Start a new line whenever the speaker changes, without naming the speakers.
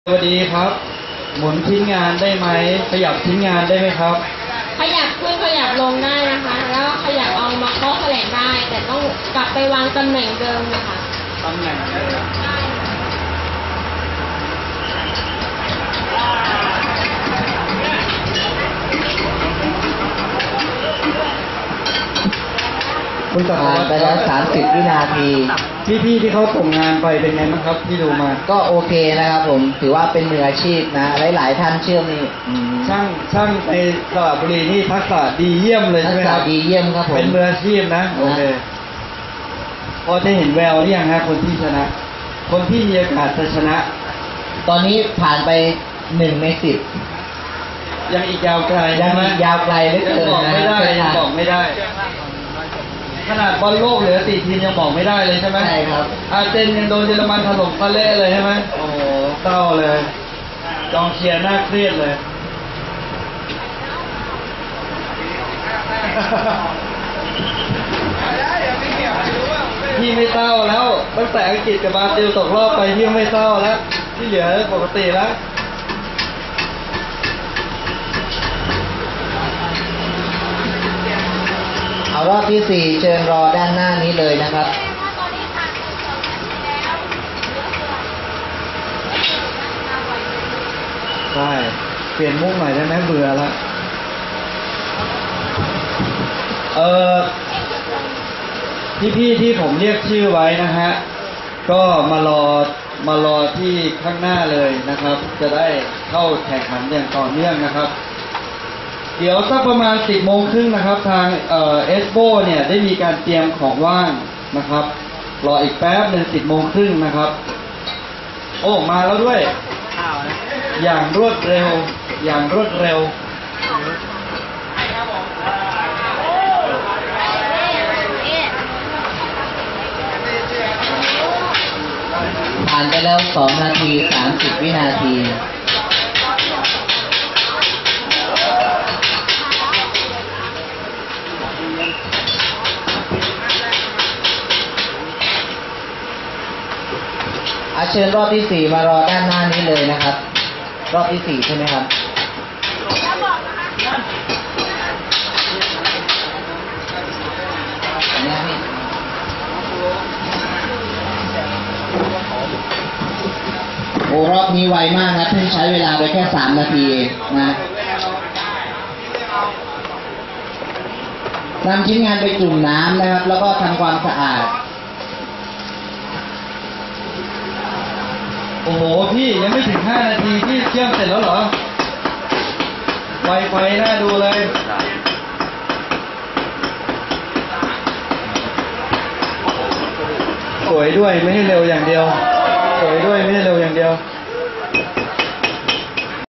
สวัสดีครับ หมุนชิ้นงานได้ไหมขยับชิ้นงานได้ไหมครับ
ขยับขึ้นขยับลงได้นะคะแล้วขยับเอามาเคาะแถลงได้แต่ต้องกลับไปวางตำแหน่งเดิมนะคะ
ตำแหน่งเดิมคุณตัด
ไปแล้ว30 วินาที
พี่ที่เขาส่งงานไปเป็นไงบ้างครับที่ดูมา
ก็โอเคนะครับผมถือว่าเป็นมืออาชีพนะหลายท่านเชื่อมนี่
ช่างในสระบุรีนี่ทักษะดีเยี่ยมเลยใช่ไหมครับ
ทักษะดีเยี่ยมครับผม
เป็นมืออาชีพนะโอเคพอจะเห็นแววหรือยังฮะคนที่ชนะ คนที่มีโอกาสจะชนะ
ตอนนี้ผ่านไป1 ใน 10
ยังอีกยาวไกล
ยังอีกยาวไกลเหลือเกิน
บอกไม่ได้ยังบอกไม่ได้ขนาดบอลโลกเหลือ4 ทีมยังบอกไม่ได้เลยใช่ไหม
ใช่ครับ
อาร์เจนยังโดนเยอรมันถล่มซะเละเลยใช่ไหมโอ้โหเศร้าเลยกองเชียร์น่าเครียดเลยพี่ไม่เศร้าแล้วตั้งแต่อังกฤษกับบราซิลตกรอบไปพี่ไม่เศร้าแล้วที่เหลือปกติแล้ว
เอารอบที่4เชิญรอด้านหน้านี้เลยนะครับ
ใช่เปลี่ยนมุกหน่อยได้ไหมเบื่อละพี่ที่ผมเรียกชื่อไว้นะฮะก็มารอที่ข้างหน้าเลยนะครับจะได้เข้าแข่งขันอย่างต่อเนื่องนะครับเดี๋ยวสักประมาณ10:30นะครับทางเอสโบเนี่ยได้มีการเตรียมของว่างนะครับรออีกแป๊บนึง10:30นะครับโอ้มาแล้วด้วยอย่างรวดเร็ว
ผ่านไปแล้ว2 นาที 30 วินาทีเชิญรอบที่4มารอด้านหน้านี้เลยนะครับรอบที่4ใช่ไหมครับโอ้รอบนี้ไวมากนะเพิ่งใช้เวลาไปแค่3 นาทีนะนำชิ้นงานไปจุ่มน้ำนะครับแล้วก็ทำความสะอาด
โอ้โหพี่ยังไม่ถึง5 นาทีพี่เชื่อมเสร็จแล้วเหรอไวน่าดูเลยสวยด้วยไม่ได้เร็วอย่างเดียว